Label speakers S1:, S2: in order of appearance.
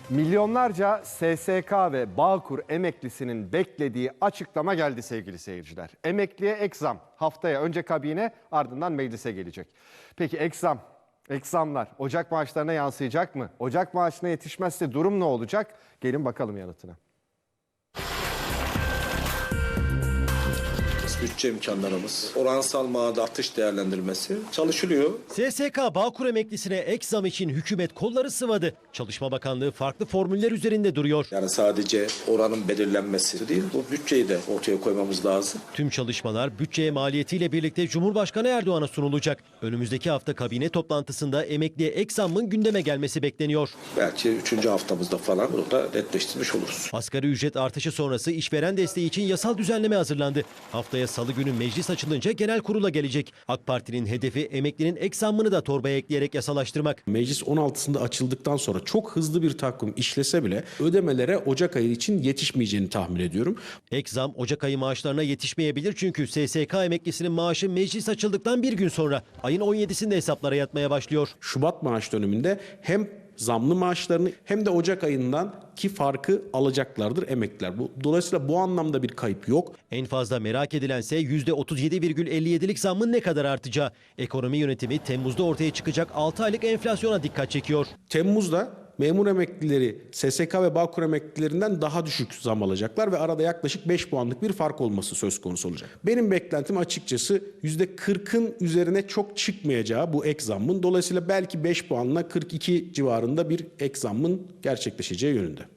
S1: Milyonlarca SSK ve Bağkur emeklisinin beklediği açıklama geldi sevgili seyirciler. Emekliye ek zam haftaya önce kabine ardından meclise gelecek. Peki ek zamlar Ocak maaşlarına yansıyacak mı? Ocak maaşına yetişmezse durum ne olacak? Gelin bakalım yanıtına.
S2: Bütçe imkanlarımız, oransal mağda artış değerlendirmesi çalışılıyor.
S3: SSK Bağkur emeklisine ek zam için hükümet kolları sıvadı. Çalışma Bakanlığı farklı formüller üzerinde duruyor.
S2: Yani sadece oranın belirlenmesi değil, bu bütçeyi de ortaya koymamız lazım.
S3: Tüm çalışmalar bütçeye maliyetiyle birlikte Cumhurbaşkanı Erdoğan'a sunulacak. Önümüzdeki hafta kabine toplantısında emekliye ek zammın gündeme gelmesi bekleniyor.
S2: Belki 3. haftamızda falan bunu da netleştirmiş oluruz.
S3: Asgari ücret artışı sonrası işveren desteği için yasal düzenleme hazırlandı. Haftaya Salı günü meclis açılınca genel kurula gelecek. AK Parti'nin hedefi emeklinin ek zammını da torbaya ekleyerek yasalaştırmak.
S4: Meclis 16'sında açıldıktan sonra çok hızlı bir takvim işlese bile ödemelere Ocak ayı için yetişmeyeceğini tahmin ediyorum.
S3: Ek zam Ocak ayı maaşlarına yetişmeyebilir çünkü SSK emeklisinin maaşı meclis açıldıktan bir gün sonra ayın 17'sinde hesaplara yatmaya başlıyor.
S4: Şubat maaş döneminde hem zamlı maaşlarını hem de Ocak ayından ki farkı alacaklardır emekliler. Dolayısıyla bu anlamda bir kayıp yok.
S3: En fazla merak edilense %37,57'lik zammın ne kadar artacağı. Ekonomi yönetimi Temmuz'da ortaya çıkacak 6 aylık enflasyona dikkat çekiyor.
S4: Temmuz'da memur emeklileri SSK ve Bağkur emeklilerinden daha düşük zam alacaklar ve arada yaklaşık 5 puanlık bir fark olması söz konusu olacak. Benim beklentim açıkçası %40'ın üzerine çok çıkmayacağı bu ek zammın. Dolayısıyla belki 5 puanla 42 civarında bir ek zammın gerçekleşeceği yönünde.